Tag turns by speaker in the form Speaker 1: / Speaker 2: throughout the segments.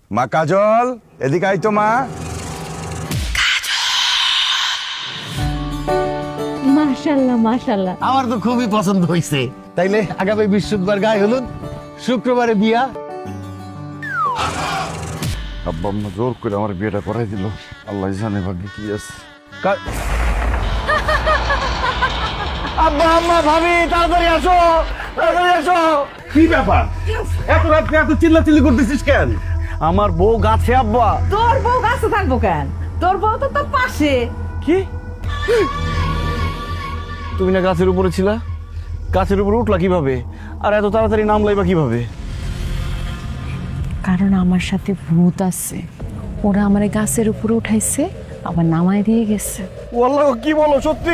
Speaker 1: মা কাজল, এদিকে আই তো মা।
Speaker 2: মাশাআল্লাহ মাশাআল্লাহ।
Speaker 3: আমার তো খুবই পছন্দ হয়েছে। তাইলে আগামী বৃহস্পতিবার গায়ে হলুদ, শুক্রবারে বিয়া।
Speaker 1: আব্বা আম্মা জোর করে আমার বিয়েটা করাই দিল। আল্লাহ জানে ভাগ্যে কি আছে।
Speaker 3: আব্বা আম্মা ভাবি তাড়াতাড়ি আসো, তাড়াতাড়ি আসো। কি ব্যাপার, এত রাত্রে এত চিল্লাচিল্লি করতেছিস কেন? আমার বউ গাছে আব্বা।
Speaker 4: তোর বউ গাছে থাকবো কেন? তোর বউ তো তোর পাশে।
Speaker 3: কি? তুমি না গাছের উপরে ছিলা? গাছের উপরে উঠলা কিভাবে? আর এত তাড়াতাড়ি নামলাই বা কিভাবে?
Speaker 2: কারণ আমার সাথে ভূত আছে, ওরা আমার গাছের উপরে উঠাইছে আবার নামায় দিয়ে গেছে।
Speaker 3: ওয়াল্লাহ, কি বলো সত্যি?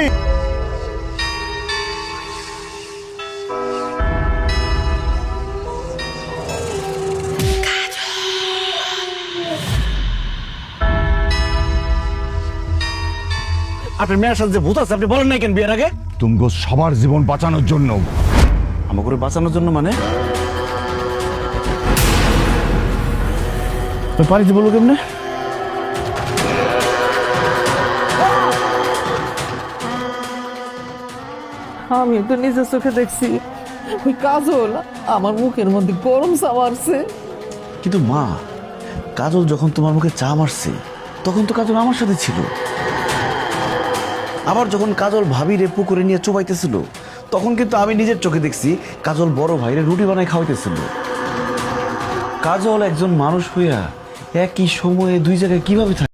Speaker 3: আপনার মেয়ের সাথে যে ভূত আছে আপনি বলেন নাই কেন বিয়ের আগে?
Speaker 1: তুমি সবার জীবন বাঁচানোর জন্য।
Speaker 3: আমাকে বাঁচানোর জন্য মানে? পারিতে বলবো কেমনে?
Speaker 4: আমি তো নিজের চোখে দেখছি ওই কাজল আমার মুখের মধ্যে গরম চা মারছে।
Speaker 3: কিন্তু মা, কাজল যখন তোমার মুখে চা মারছে তখন তো কাজল আমার সাথে ছিল। আবার যখন কাজল ভাবিরে পুকুরে নিয়ে চোবাইতেছিল তখন কিন্তু আমি নিজের চোখে দেখছি কাজল বড় ভাইরে রুটি বানাই খাওয়াইতেছিল। কাজল একজন মানুষ হইয়া একই সময়ে দুই জায়গায় কিভাবে থাকে?